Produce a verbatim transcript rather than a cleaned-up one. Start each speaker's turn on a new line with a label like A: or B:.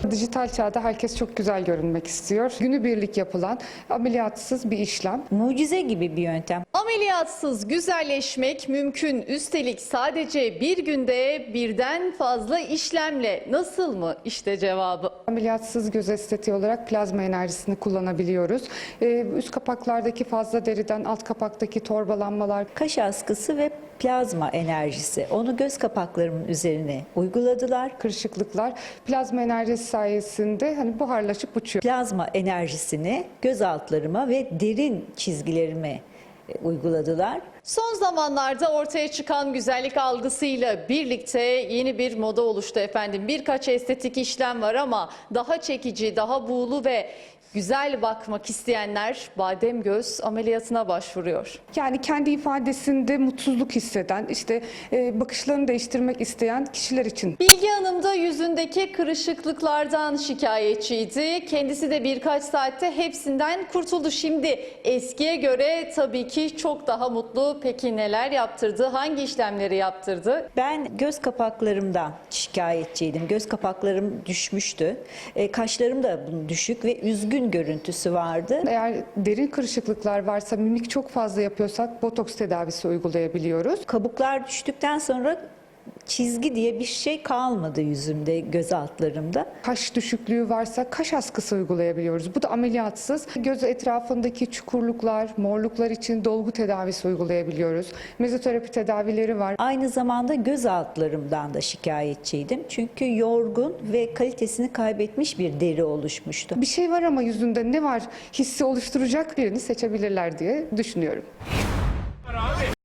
A: Dijital çağda herkes çok güzel görünmek istiyor. Günübirlik yapılan ameliyatsız bir işlem.
B: Mucize gibi bir yöntem.
C: Ameliyatsız güzelleşmek mümkün. Üstelik sadece bir günde birden fazla işlemle. Nasıl mı? İşte cevabı.
A: Ameliyatsız göz estetiği olarak plazma enerjisini kullanabiliyoruz. Ee, üst kapaklardaki fazla deriden alt kapaktaki torbalanmalar,
B: Kaş askısı ve plazma enerjisi. Onu göz kapaklarımın üzerine uyguladılar.
A: kırışıklıklar plazma enerjisi sayesinde hani buharlaşıp uçuyor.
B: Plazma enerjisini göz altlarıma ve derin çizgilerime e, uyguladılar.
C: Son zamanlarda ortaya çıkan güzellik algısıyla birlikte yeni bir moda oluştu efendim. Birkaç estetik işlem var ama daha çekici, daha buğulu ve güzel bakmak isteyenler badem göz ameliyatına başvuruyor.
A: Yani kendi ifadesinde mutsuzluk hisseden, işte e, bakışlarını değiştirmek isteyen kişiler için.
C: Bilge Hanım da yüzündeki kırışıklıklardan şikayetçiydi. Kendisi de birkaç saatte hepsinden kurtuldu. Şimdi eskiye göre tabii ki çok daha mutlu. Peki neler yaptırdı? Hangi işlemleri yaptırdı?
B: Ben göz kapaklarımdan şikayetçiydim. Göz kapaklarım düşmüştü. E, kaşlarım da bunun düşük ve üzgün görüntüsü vardı.
A: Eğer derin kırışıklıklar varsa, mimik çok fazla yapıyorsak botoks tedavisi uygulayabiliyoruz.
B: Kabuklar düştükten sonra çizgi diye bir şey kalmadı yüzümde, göz altlarımda.
A: Kaş düşüklüğü varsa kaş askısı uygulayabiliyoruz. Bu da ameliyatsız. Göz etrafındaki çukurluklar, morluklar için dolgu tedavisi uygulayabiliyoruz. Mezoterapi tedavileri var.
B: Aynı zamanda göz altlarımdan da şikayetçiydim. Çünkü yorgun ve kalitesini kaybetmiş bir deri oluşmuştu.
A: Bir şey var ama yüzünde ne var hissi oluşturacak birini seçebilirler diye düşünüyorum.